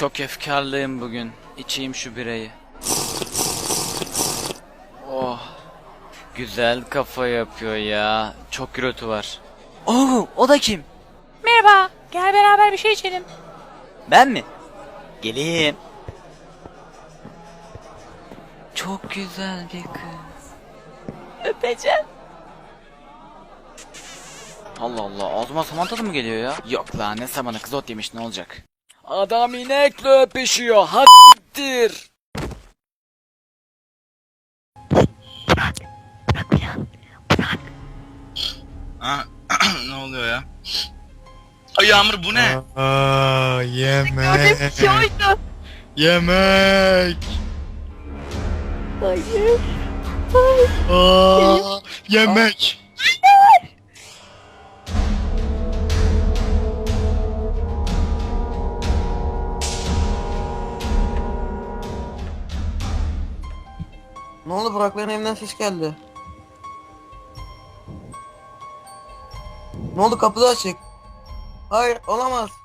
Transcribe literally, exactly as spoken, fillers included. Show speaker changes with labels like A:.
A: Çok efkarlıyım bugün. İçeyim şu birayı. Oh. Güzel kafa yapıyor ya. Çok gürültü var. Oo, o da kim?
B: Merhaba, gel beraber bir şey içelim.
A: Ben mi? Geleyim. Çok güzel bir kız. Öpeceğim. Allah Allah, ağzıma saman tadı mı geliyor ya? Yok lan, ne samanı, kız ot yemiş, ne olacak? Adam inekle öpüşüyor, haktir.
C: Ha, ne oluyor ya? Ay Yağmur bu ne?
D: Aa, yemek.
B: Gördüğüm şey oydu.
D: Yemek.
B: Hayır.
D: Aa, yemek.
E: Ne oldu, Burak'ların evinden ses geldi. Ne oldu, kapı da açık. Hayır, olamaz.